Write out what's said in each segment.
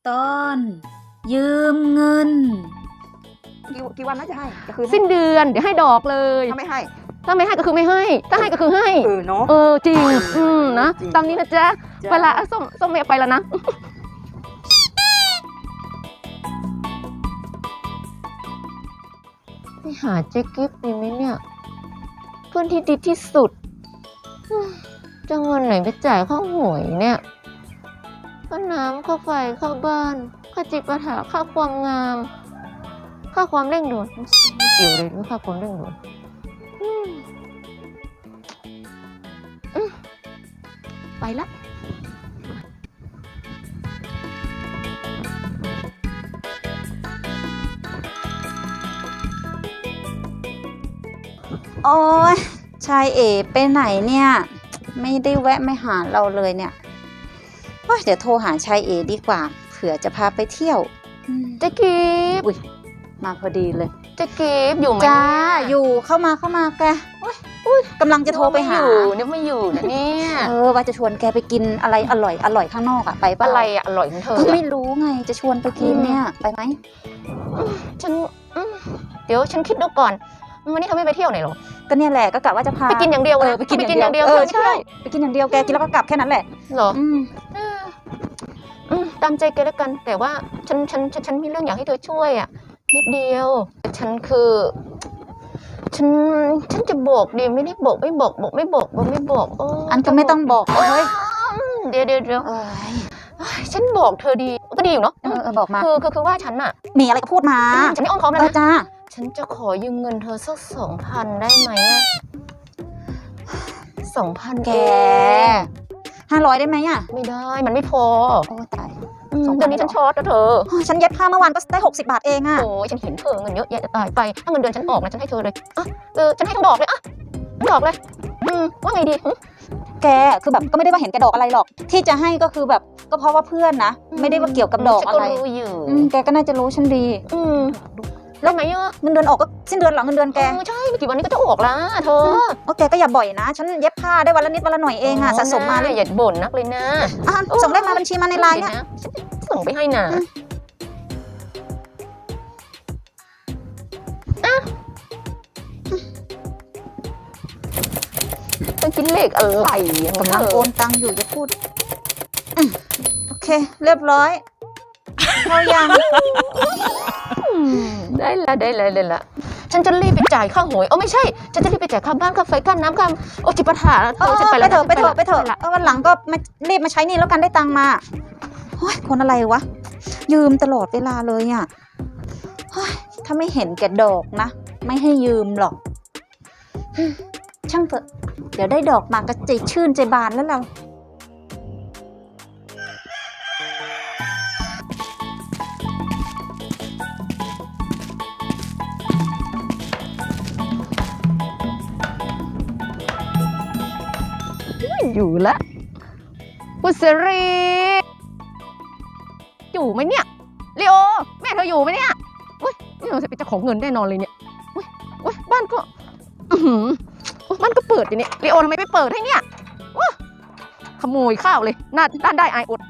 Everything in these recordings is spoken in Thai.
ตอนยืมเงินกี่วันน่าจะให้จะคืนสิ้นเดือนเดี๋ยวให้ดอกเลยถ้าไม่ให้ถ้าไม่ให้ก็คือไม่ให้ถ้าให้ก็คือให้เนาะจริงนะจริงตามนี้นะจ๊ะจ้ะเวลาส้มเมียไปแล้วนะไปหาเจ๊กิฟต์ดีไหมเนี่ยเพื่อนที่ดีที่สุดจะเงินไหนไปจ่ายค่าหวยเนี่ยค่าน้ำค่าไฟค่าบ้านค่าจิปาถะค่าความงามค่าความเร่งด่วนไม่เกี่ยวเลยด้วยค่าความเร่งด่วนไปละโอ้ยชายเอ๋ไปไหนเนี่ยไม่ได้แวะไม่หาเราเลยเนี่ยโอ๊ยเดี๋ยวโทรหาชายเอ๋ดีกว่าเผื่อจะพาไปเที่ยวเจ๊กิฟต์อุ๊ยมาพอดีเลยเจ๊กิฟต์อยู่ไหมจ้าเนี่ยอยู่เข้ามาแกอุ๊ยกำลังจะโทรไปหาเนี่ยไม่อยู่นะเนี่ยว่าจะชวนแกไปกินอะไรอร่อยข้างนอกอะไปปะอะไรอะอร่อยของเธอก็อะไม่รู้ไงจะชวนไปกินเนี่ยไปไหมฉันเดี๋ยวฉันคิดดูก่อนวันนี้เธอไม่ไปเที่ยวไหนหรอก็เนี่ยแหละก็กะว่าจะพาไปกินอย่างเดียวเลยไปกินอย่างเดียวเออใช่ไปกินอย่างเดียวแกกินแล้วก็กลับแค่นั้นแหละเหรออืมตามใจแกแล้วกัน แต่ว่าฉันมีเรื่องอยากให้เธอช่วยอ่ะนิดเดียวฉันจะบอกดีไม่ได้บอกไม่บอกไม่บอกโอันก็ไม่ต้องบอกเฮ้ยเดี๋ยวเอ้ยฉันบอกเธอดีก็ดีอยู่เนาะบอกมาคือว่าฉันอ่ะมีอะไรก็พูดมาฉันไม่อ้อมค้อมแล้วนะจ้าฉันจะขอยืมเงินเธอสัก2,000ได้ไหมอะ2,000 แก500ได้ไหมอ่ะไม่ได้มันไม่พอโอ้ตายเดี๋ยวนี้ฉันช็อตนะเธอฉันเย็บผ้าเมื่อวานก็ได้60 บาทเองอ่ะโอ้ยฉันเห็นเธอเงินเยอะแยะจะตายไปถ้าเงินเดือนฉันออกนะฉันให้เธอเลยอ่ะฉันให้ทั้งดอกเลยอ่ะทั้งดอกเลยว่าไงดีแกคือแบบก็ไม่ได้ว่าเห็นแกดอกอะไรหรอก ที่จะให้ก็คือแบบก็เพราะว่าเพื่อนนะไม่ได้ว่าเกี่ยวกับดอกอะไรฉันก็รู้อยู่แกก็น่าจะรู้ฉันดีแล้วไหมอ่ะเงินเดือนออกก็สิ้นเดือนหรอเงินเดือนแกใช่ไม่กี่วันนี้ก็จะออกละเธอโอแกก็อย่าบ่อยนะ ฉันเย็บผ้าได้วันละนิดวันละหน่อยเองอ่ะสะสมมาอย่าบ่นนักเลยนะส่งได้มาบัญชีมาในไลน์เนี่ยส่งไปให้นะต้องคิดเลขอะไรกำลังโอนตังค์อยู่จะพูดโอเค เรียบร้อยเข้ายังได้ละฉันจะรีบไปจ่ายค่าหวยไม่ใช่ฉันจะรีบไปจ่ายค่าบ้านค่าไฟค่าน้ำค่าจิปาถะฉันไปไปแล้วเถอะวันหลังก็รีบมาใช้หนี่แล้วกันได้ตังค์มาโอ้ยคนอะไรวะยืมตลอดเวลาเลยอ่ะถ้าไม่เห็นแกดอกนะไม่ให้ยืมหรอกช่างเถอะเดี๋ยวได้ดอกมาก็ใจชื่นใจบานแล้วเราอยู่ละกุศรีอยู่ไหมเนี่ยลีโอแม่เธออยู่ไหมเนี่ยอุ้ยนี่เราจะเป็นเจ้าของเงินแน่นอนเลยเนี่ยอุ้ยบ้านก็บ้านก็เปิดอยู่เนี่ยลีโอทำไมไม่เปิดให้เนี่ยขโมยข้าวเลยด้านได้อายอด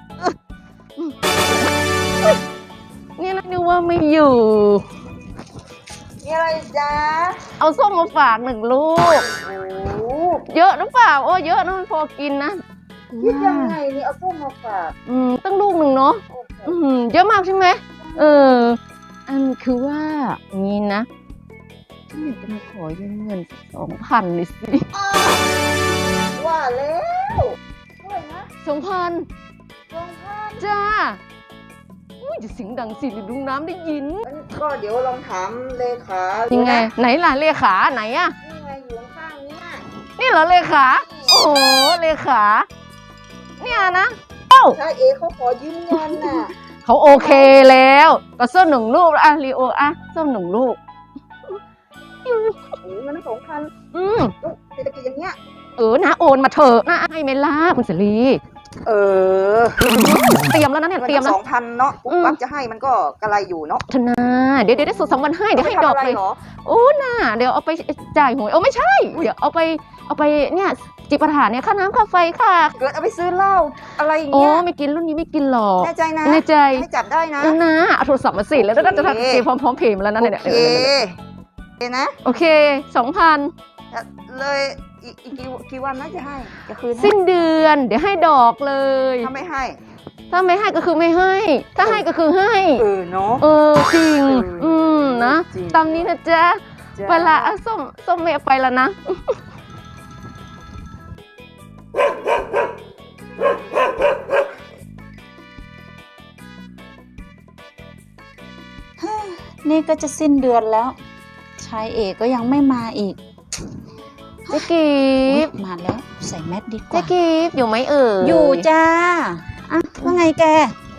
นี่นะนึกว่าไม่อยู่มีอะไรจ้าเอาส้มมาฝาก1 ลูกโอ้เยอะหรือเปล่าเยอะนะมันพอกินนะคิดยังไงนี่เอาส้มมาฝากตั้งลูกหนึ่งเนาะเยอะมากใช่ไหมอันคือว่างี้นะฉันอยากจะมาขอยืมเงิน2,000เลยสิว่าแล้วด้วยนะ 2,000จ้าอุ้ยจะเสียงดังสิหรือลุงน้ำได้ยินก็เดี๋ยวลองถามเลขายัยังไงไหนล่ะเลขาไหนอะนี่ไงอยู่ข้างๆเนี่ยนี่เหรอเลขาโอ้โหเลขาเนี่ยนะใช่เขาขอยืมเงินน่ะเขาโอเคแล้วก็ส้ม1 ลูกอ่ะลีโออ่ะส้ม1 ลูกโอ้เงิน2,000เศรษฐกิจอย่างเงี้ยนะโอนมาเถอะนะให้เมล่าคุณเสรี เตรียมแล้วนะเนี่ยเตรียมแล้ว 2,000เนาะปุ๊บปั๊บจะให้มันก็กระไรอยู่เนาะธนาเดี๋ยวได้สูตร2 วันให้เดี๋ยวให้ดอกเลยเหรอโอ้น่ะเดี๋ยวเอาไปจ่ายหวยไม่ใช่เดี๋ยวเอาไปเอาไปเนี่ยจิปาถะเนี่ยค่าน้ำค่าไฟค่ะเกิดเอาไปซื้อเหล้าอะไรอย่างโอ้เงี้ยไม่กินรุ่นนี้ไม่กินหรอกแน่ใจนะแน่ใจให้จับได้นะนะเอาโทรศัพท์มาสิแล้วก็จะโอเคทำเกมพร้อมๆเพย์มาแล้วนะเนี่ยโอเคโอเคนะโอเค 2,000 เลยอีกกี่วันนะจะให้จะคืนให้สิ้นเดือนเดี๋ยวให้ดอกเลยถ้าไม่ให้ถ้าไม่ให้ก็คือไม่ให้ ถ้าให้ก็คือให้เนาะจริง นะจริงตามนี้นะจ๊ะจ้าไปละอ่ะส้มเมย์ไปแล้วนะนี่ก็จะสิ้นเดือนแล้ว ชายเอกก็ยังไม่มาอีกเจ๊กีอุ๊ยบมาแล้วใส่แมสดีกเจ๊ว่ากีบอยู่ไหมเอ่ยอยู่จ้าอ่ะว่าไงแก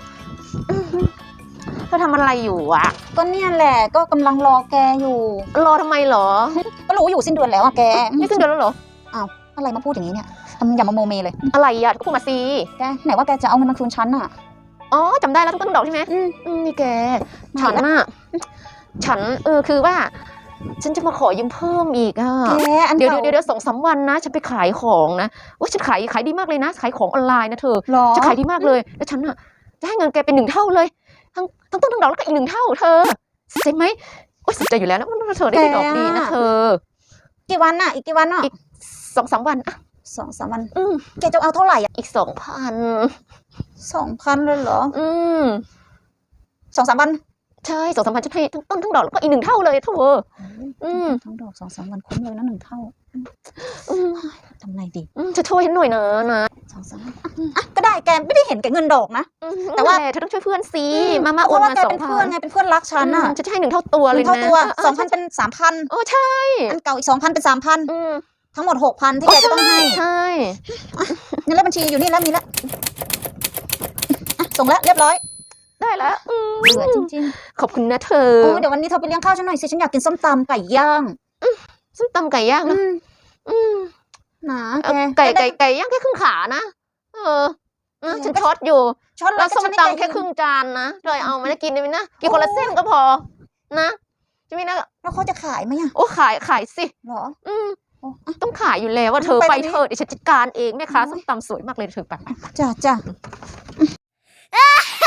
เธอทำอะไรอยู่อะก็เนี่ยแหละก็กำลังรอแกอยู่รอทำไมเหรอก็รู้อยู่สิ้นเดือนแล้วอะแกนี่สิ้นเดือนแล้วเหรออะไรมาพูดอย่างนี้เนี่ยทำอย่ามาโมเมเลยอะไรอะก็พูดมาสิแกไหนว่าแกจะเอาเงินมาคืนฉันอะอ๋อจำได้แล้วทุกต้นดอกใช่ไหมนี่แก ฉันน่ะ ฉันคือว่า ฉันจะมาขอยืมเพิ่มอีกอ่ะแกอันเดี๋ยวก่าเดี๋ยว2-3 วันนะ ฉันไปขายของนะว่าฉันขายดีมากเลยนะ ขายของออนไลน์นะเธอหรอจะขายดีมากเลย แล้วฉันอ่ะ จะให้เงินแกเป็น1 เท่าเลย ทั้งต้นทั้งดอกแล้วก็อีก1 เท่า เธอสนใจไหมโอ๊ยสนใจอยู่แล้วนะเธอได้ดอกดีนะเธอกี่วันอะอีกกี่วันอะอีก 2-3 วันอ่ะ 2-3 วันอืมแกจะเอาเท่าไหร่อะอีก 2,000เลยเหรอ 2,000 อืม 2-3 วันใช่2-3 วันจะให้ทั้งต้นทั้งดอกแล้วก็อีก1 เท่าเลยเธอ อืมทั้งดอก2-3 วันคุ้มเลยนะ1 เท่าอืมทำไงดีจะช่วยฉันหน่อยนะ 2-3 วันอ่ะก็ได้แกไม่ได้เห็นแกเงินดอกนะ แต่ว่าเธอต้องช่วยเพื่อนสิ มาเพโอนราะว่ามาแกเป็นเพื่อน 2,000 ไงเป็นเพื่อนรักฉันอะจะให้1 เท่าตัวเลย 1 เท่านะตัว 2,000 ใช่เป็น 3,000 โอ้ใช่อันเก่าอีก 2,000 เป็น 3,000 อืมทั้งหมด 6,000 ที่แกจะต้องให้ใช่เงินเลขบัญชีอยู่นี่แล้วมีแล้วอ่ะส่งแล้วเรียบร้อยได้แล้วเบื่อจริงขอบคุณนะเธอๆโอ้ยเดี๋ยววันนี้เธอไปเลี้ยงข้าวฉันหน่อยสิฉันอยากกินส้มตำไก่ย่างส้มตำไก่ย่างอืนะมอืมหนาเอาแกไก่ย่างแค่ครึ่งขานะฉันช็อตอยู่ช้อนแล้วส้มฉันให้ตำแกแค่ครึ่งจานนะเธอเอามาได้กินได้ไหมนะกินคนละเส้นก็พอนะใช่ไหมนะแล้วเขาจะขายไหมอ่ะโอ้ขายสิหรอโอ้ต้องขายอยู่แล้วว่าเธอไปไปตรงนี้เถอะเดี๋ยวฉันจัดการเองแม่ค้าโอ้ยส้มตำสวยมากเลยเธอไปจ้ะ